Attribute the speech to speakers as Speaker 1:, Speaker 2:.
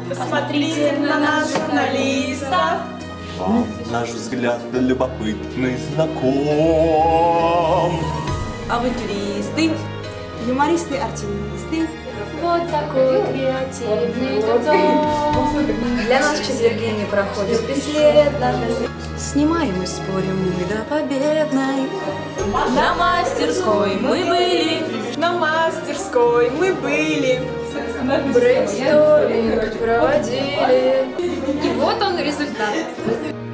Speaker 1: Посмотрите на нас, журналистов.
Speaker 2: Вам наш взгляд любопытный знаком.
Speaker 3: Авантюристы,
Speaker 1: Юмористы, артисты.
Speaker 4: Вот такой креативный дом.
Speaker 3: для нас четверги не проходят бесследно.
Speaker 1: Снимаем и спорим мы до победной.
Speaker 3: На мастерской мы были.
Speaker 1: На мастерской мы были.
Speaker 4: Брейнсторминг проводили. И вот он результат.